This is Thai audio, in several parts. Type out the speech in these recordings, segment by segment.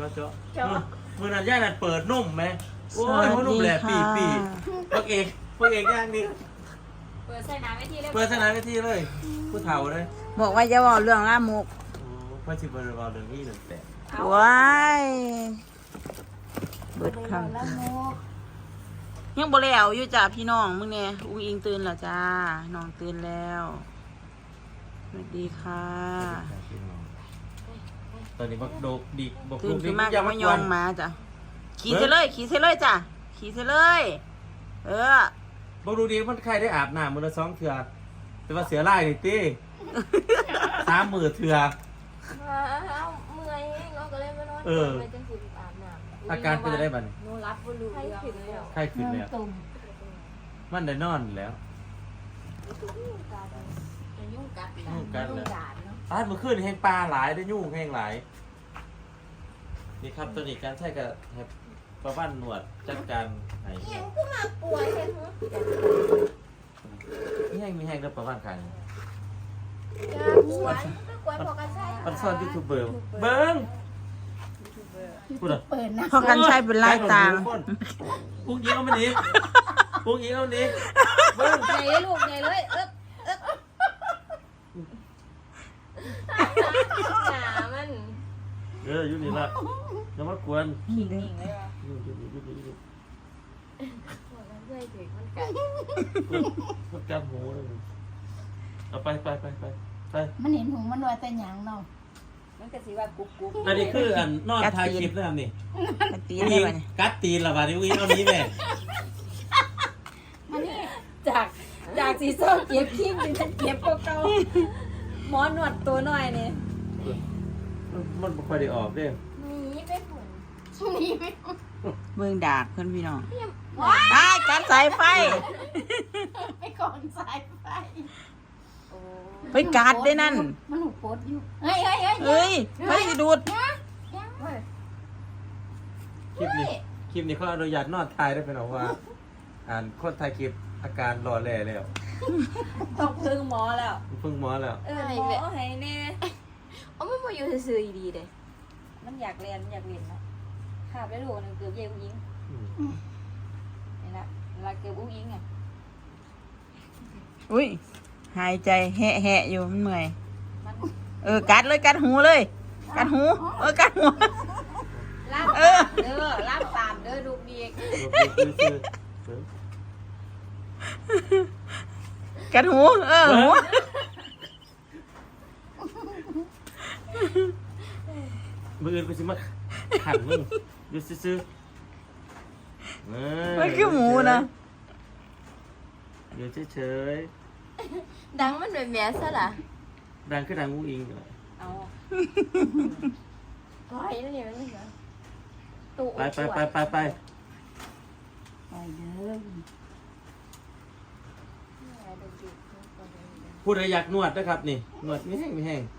เจาะมือนั้นย่านั่นเปิดนุ่มไหมโอ้ยนุ่มแหละปีพวกเอกย่างนี่เปิดใส่น้ำไว้ที่เลยเปิดสนามไปที่เลยผู้เฒ่าเลยบอกว่าจะบอกเรื่องล่ามุกพ่อชิบะเราเรื่องนี้หนึ่งแต่ว้ายเบิดคำยังบ่แล้วอยู่จ้าพี่น้องมึงเนี่ยอุ้งอิงตื่นแล้วจ้าน้องตื่นแล้วสวัสดีค่ะตอนนี้บักโดกดิกบักตื่ลูนกขึ้นี่นมาก็มายองมาจ้ะขี่เสเลยจ้ะขี่เสเลยบักลูกดิมันใครได้อาบน้ำมือละ2 เทื่อแต่ว่าเสือไล่นี่ตี3 มือเทื่อเมื่อยเนาะก็เลยมานอนไปจังสิอาบน้ำอาการเป็นจะได้บ้างหนูรับบ่รู้เรื่องเลยไข้ขึ้นแล้วมันได้นอนแล้วยุ่งกัดยุ่งกัดเลยเนาะเมื่อคืนแห้งปลาหลายได้ยุ่งแห้งหลายนี่ครับตัวนี้การใช้กับประบ้านหนวดจัดการไหนยังก็มาป่วยเห็นหัวนี่แห้งมีแห้งแล้วประบ้านใครจะป่วยก็ป่วยพอกันใช่มันซ่อนยูทูบเบอร์เบิ้งพูดเหรอเปิดนะพอกันใช้เป็นไล่ตางปุ๊กยิงเอามันอีกปุ๊กยิงเอามันอีกเบิ้งใหญ่เลยลูกใหญ่เลยหนามันอยู่นี่ละอย่ามากวนขิงเลยวะอยู่มันเพื่อถึงมันกัดมันจับหูเลยเอาไปมันเห็นหูมันว่าแต่หยังเนาะมันก็สิว่ากุ๊กอันนี้คืออันนอนทายคลิปนะครับนี่กระตีอุ้งได้อิงป่ะเนี่ยกัดตีนละบาดนี้อุ้งอิงเอานี้แม่จากสีส้มเก็บขี้มันจะเก็บเก่าหมอนวดตัวหน่อยนี่มันไม่ค่อยได้ออกเด้นี่เป็นผลนี่ไม่เบิ่งดากเพื่อนพี่น้องตายการสายไฟไปก่อนสายไฟไปกัดได้นั่นมันหูปดอยู่เฮ้ยเฮ้ยไฟสิดูดคลิปนี้เขาอนุญาตนอนทายได้เป็นหรอว่าคนถ่ายคลิปอาการหล่อแหล่แล้วต้องพึ่งหมอแล้วเพิ่งหมอแล้วหมอให้แน่มันมาอยู่ซื่อๆดีเลยมันอยากเรียนเนาะขาบได้ลูกนึงเกือบเย่อุ้งยิงนี่นะเวลาเกือบอุ้งยิงอ่ะอุ้ยหายใจแหะอยู่มันเมื่อยมันกัดเลยกัดหูเลยกัดหูกัดหัวลาบลาบตามเด้อลูกดีกัดหูหูมืออื่นไปสิมาขันมึงดูซื้อมันคือหมูนะเดี๋ยวเฉยดังมันแบบแม่ซะล่ะๆดังคือดังงูอิงเอาปล่อยนั่นนี่มันเหรอตู้ไปไปเด้อพูดอะไรอยากนวดนะครับนี่นวดไม่แห้ง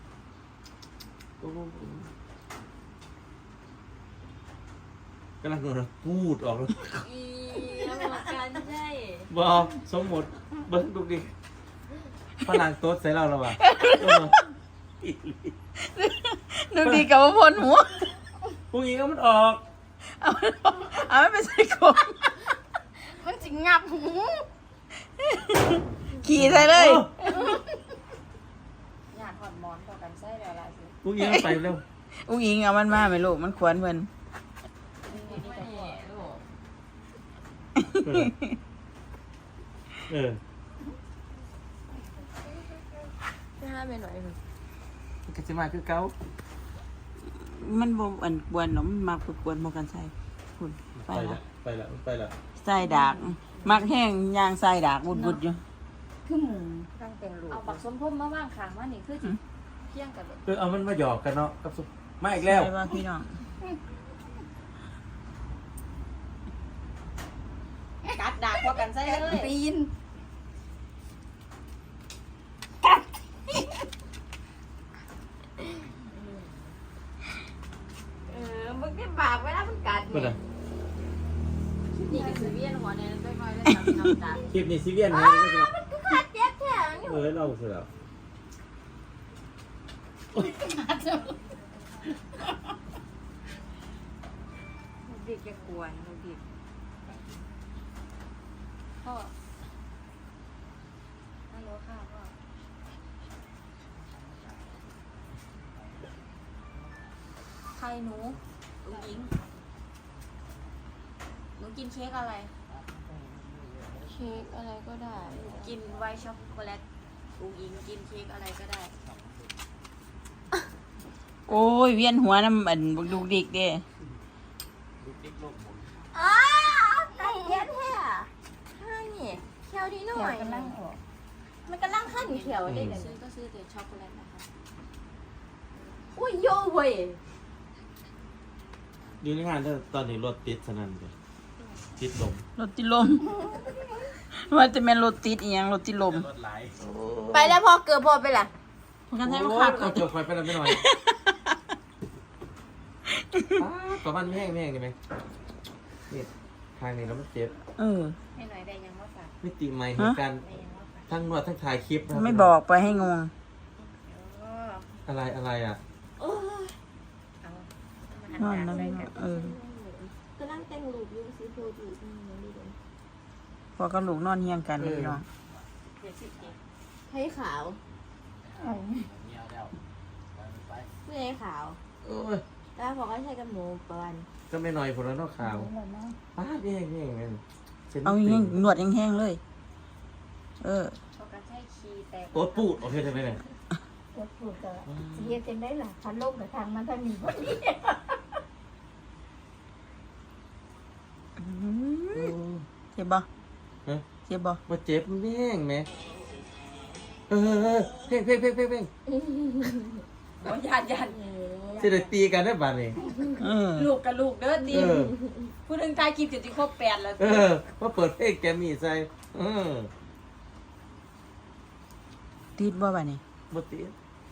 กำลังนวดพูดออกแล้วอีแล้วกันใช่บอกสมมติเบิ้งดูดิพลังโต๊ดใส่เราแล้วว่ะดูดีกับว่าพ่นหัวพรุ่งนี้ก็มันออกเอาไม่ไปใส่กรงมันจิงับหูขี่ใส่เลยอยากถอดหมอนต่อกันใช่แล้วล่ะสิพรุ่งนี้ไปเร็วอุ้งอิงเอามันมาไหมลูกมันควรเพิ่นนี่จะปวดลูก จะห้ามไปหน่อยก็จะมาคือเก้ามันบ่อันกวนเนาะมันมักกวนบ่กันใส่คุณไปละไปละใส่ดากมักแห้งย่างใส่ดากบุดๆอยู่คือหมูตั้งแต่งลูกเอาปักส้มพ่มมาว่างขางว่านี่คือเที่ยงกันเลยเอามันมาหยอกกันเนาะกับสุมาอีกแล้วใช่ป่ะพี่น้องกัดดักพอกันใช่เลยปีนมึงที่ปากไว้แล้วมันกัดก็ได้นี่ก็คือเวียนหัวเนี่ยได้ค่อยได้ทำจัดคลิปนี้ซีเวียนไงมันก็ขาดเจ็บแข็งเราเสร็จแล้วมดิกจะกวนลูกดิกพ่อฮัลโหลค่ะพ่อใครหนูลูกหญิงหนูกินเค้กอะไร เค้กอะไรก็ได้ กินไวท์ช็อกโกแลตลูกหญิงกินเค้กอะไรก็ได้โอ้ยเวียนหัวน้ำอันบักดุกดิกเด้อ้าไก่เย็นแท้ห้านี่เขียวดีหน่เขีอวย กำลังออกมันกำลังขั้นเขียวได้เลยซื้อก็ซื้อแต่ช็อกโกแลตนะคะอุ้ยโย่เว้ยอยู่ในงานถ้าตอนนี้รถติดสนั่นเลยติดลมรถติดลม ว่าจะเป็นรถติดอีหยังรถติดลมรถไหลไปแล้วพอเกือบพอไปละพวกกันใช้มาขับเอาเกี่ยวไฟไปแล้วไม่หน่อยประมาณไม่แห้งได้ไหมนี่ทางนี้แล้วมันเจ็บเออให้หน่อยได้ยังว่าฝากมิติใหม่เหตุการณ์ได้ยังว่าฝากทั้งนวดทั้งถ่ายคลิปนะไม่บอกไปให้งงอะไรอ่ะโอ้ยเอานอนแล้วเออกำลังแต่งรูปอยู่ซื้อโพดอยู่นี่ดีเลยพอกับลูกนอนเฮียงกันเลยพี่น้องเดี๋ยวสิเจ๊ให้ขาวเอาไม่ให้ขาวโอ้ยแต่พอก็ใช้กับหมูประมาณก็ไม่หน่อยผลแล้วนอกข่าวแล้วเนาะป้าดแห้งแห้งแม่นส้นเอาติ่แห้งนวดแห้งๆเลย เออพอกันใช้คีย์แตกโต๊ดปูดโอเคใช่ไหมเนี่ยปวดปวดก็สิเฮ็ดจังได๋ล่ะพันลมกับทางมันทางนี้พอดีเจ็บบ่ฮะเจ็บบ่ว่าเจ็บมันแห้งไหมเพ่งเพ่งเพ่งเพ่งเพ่งโอ้ยยันจะได้ตีกันได้ป่ะนี่เออลูกกับลูกเด้อดีเออพูดถึงตายคลิปจะครบ8แล้วว่าเปิดเพลงแกมมี่ใส่อติดบ่บ่นี่บ่ติด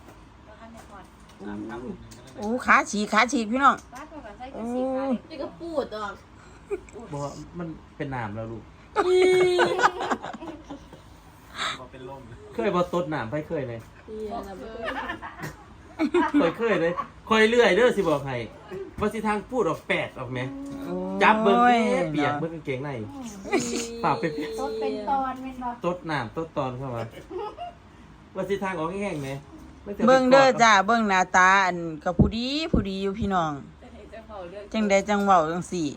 โอ้ขาฉีกพี่น้องบ้านพอกันใช้กับสีขาวนี่ก็ปูดออกบ่ว่ามันเป็นน้ำแล้วลูกเคยบ่ตดน้ำไปเคยเลยเคยเลยคอยเรื่อยเด้อสิบอกให้ว่าสิทางพูดออก8ออกไหมจับเบิ่งแม่เปียกเบิ่งกางเกงในปากเป็นต้นเป็นตอนแม่นบ่ตดน้ำตดตอนเข้ามาว่าสิทางออกแห้งๆไหมไม่จะไปเบิ่งเด้อกดจ้าเบิ่งหน้าตาอันกับผู้ดีอยู่พี่น้อง จังใดจังเว้าจังสี่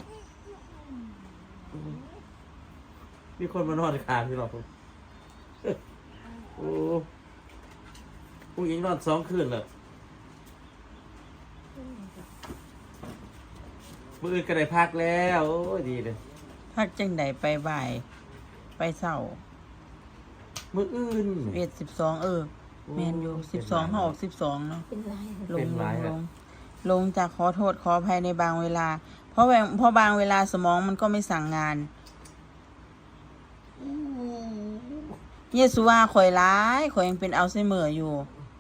มีคนมานอนค้างที่เราโอ้ผู้หญิงนอน2 คืนแล้วมื้ออื่นก็ได้พักแล้วโอ้ยดีเลยพักจังใดไปบ่าย ไปเช้ามื้ออื่น 12แม่นอยู่12เฮาออก12เนาะเป็นไรลเป็งนไรอะลงจากขอโทษขออภัยในบางเวลา เพราะบางเวลาสมองมันก็ไม่สั่งงานเยซูว่าข่อยร้ายข่อยยังเป็นอัลไซเมอร์อยู่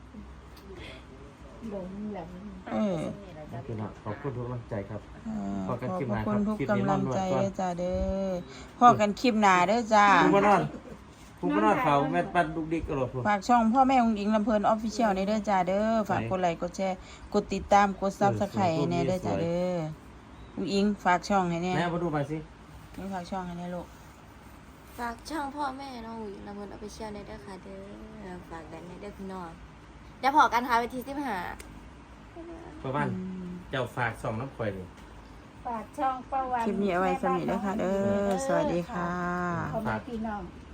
ลงแบบเออพี่น้องขอบคุณทุกกำลังใจครับขพออบ กันคลิปหพน้าระคุณทุกครับคลิปนี้กำลังใจนอนนวดก่อนเด้อจ้าเด้อพ่อกันคลิปหน้าเด้อจ้าผู้มานอนผู้มานอนเขาแม่ปันดุกดิกกระโดดพุ่นฝากช่องพ่อแม่องค์หญิงลำเพลินออฟฟิเชียลในเด้อจ้าเด้อฝากกดไลค์กดแชร์กดติดตามกดซับสไครต์ในเด้อจ้าเด้อองค์หญิงฝากช่องให้แน่แม่มาดูมาสินี่ฝากช่องให้แน่ลูกฝากช่องพ่อแม่น้องอุ๋ยลำพูนเอาไปเชียร์ในเด้อค่ะเด้อฝากกันในเด้อพี่น้องเดี๋ยวพอกันค่ะไปที่15 ประมาณเจ้าฝาก2น้ำข่อยนี่ฝากช่องประวันคลิปนี้เอาไว้สำหรับเด้อค่ะเด้อสวัสดีค่ะพ่อแม่พี่น้อง